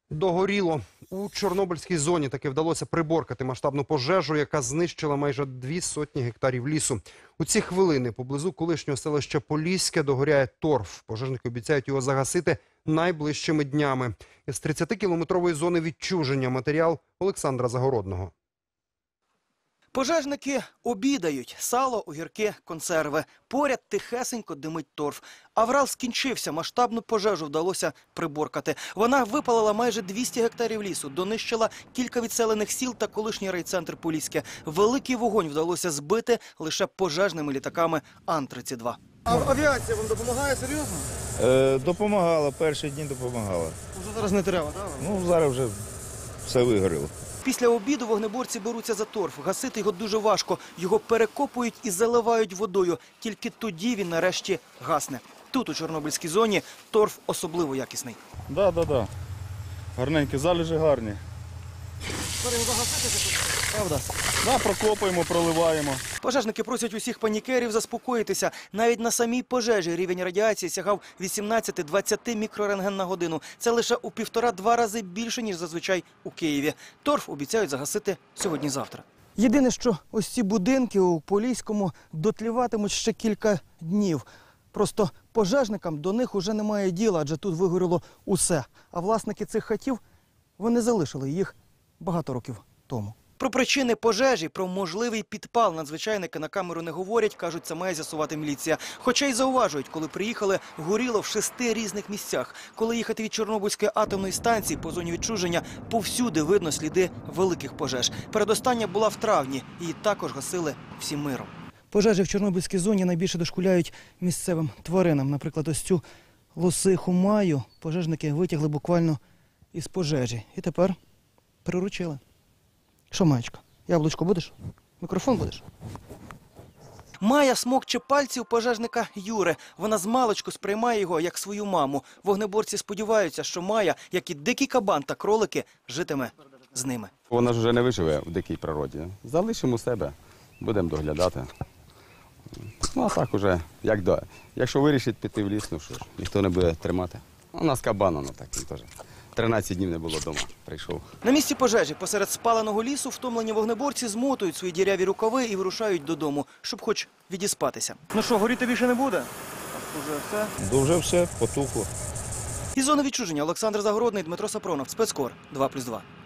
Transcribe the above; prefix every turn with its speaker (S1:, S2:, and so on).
S1: Догоріло. У Чорнобильській зоні таки вдалося приборкати масштабну пожежу, яка знищила майже 200 гектарів лісу. У ці хвилини поблизу колишнього селища Поліське догоряє торф. Пожежники обіцяють його загасити найближчими днями. Із 30-кілометрової зони відчуження матеріал Олександра Загородного.
S2: Пожежники обідають. Сало, огірки, консерви. Поряд тихесенько димить торф. Аврал скінчився, масштабну пожежу вдалося приборкати. Вона випалила майже 200 гектарів лісу, донищила кілька відселених сіл та колишній райцентр Поліське. Великий вогонь вдалося збити лише пожежними літаками Ан-32.
S3: А авіація вам допомагає серйозно?
S4: Допомагала, перші дні допомагала.
S3: Уже зараз не треба, так?
S4: Ну, зараз вже все вигоріло.
S2: Після обіду вогнеборці беруться за торф. Гасити його дуже важко. Його перекопують і заливають водою. Тільки тоді він нарешті гасне. Тут, у Чорнобильській зоні, торф особливо якісний.
S4: Да. Гарненькі, залежі гарні.
S2: Правда?
S4: Да, прокопуємо, проливаємо.
S2: Пожежники просять усіх панікерів заспокоїтися. Навіть на самій пожежі рівень радіації сягав 18-20 мікрорентген на годину. Це лише у 1,5-2 рази більше, ніж зазвичай у Києві. Торф обіцяють загасити сьогодні-завтра. Єдине, що ось ці будинки у Поліському дотліватимуть ще кілька днів. Просто пожежникам до них уже немає діла, адже тут вигоріло усе. А власники цих хатів, вони залишили їх багато років тому. Про причини пожежі, про можливий підпал надзвичайники на камеру не говорять, кажуть, це має з'ясувати міліція. Хоча й зауважують, коли приїхали, горіло в 6 різних місцях. Коли їхати від Чорнобильської атомної станції по зоні відчуження, повсюди видно сліди великих пожеж. Передостання була в травні, її також гасили всім миром. Пожежі в Чорнобильській зоні найбільше дошкуляють місцевим тваринам. Наприклад, ось цю лосиху Маю пожежники витягли буквально із пожежі. І тепер приручили. Що, Маєчка, яблучко будеш? Мікрофон будеш? Майя смокче пальці у пожежника Юри. Вона змалечку сприймає його як свою маму. Вогнеборці сподіваються, що Майя, як і дикий кабан та кролики, житиме з ними.
S5: Вона ж вже не виживе в дикій природі. Залишимо себе, будемо доглядати. Ну, а так уже, якщо вирішить піти в ліс, ну що ж, ніхто не буде тримати. У нас кабан, воно так, він теж. 13 днів не було вдома, прийшов.
S2: На місці пожежі посеред спаленого лісу втомлені вогнеборці змотують свої діряві рукави і вирушають додому, щоб хоч відіспатися.
S3: Ну що, горіти більше не буде? Уже все?
S4: Дуже все потухло.
S2: Із зони відчуження Олександр Загородний, Дмитро Сапронов, Спецкор 2+2.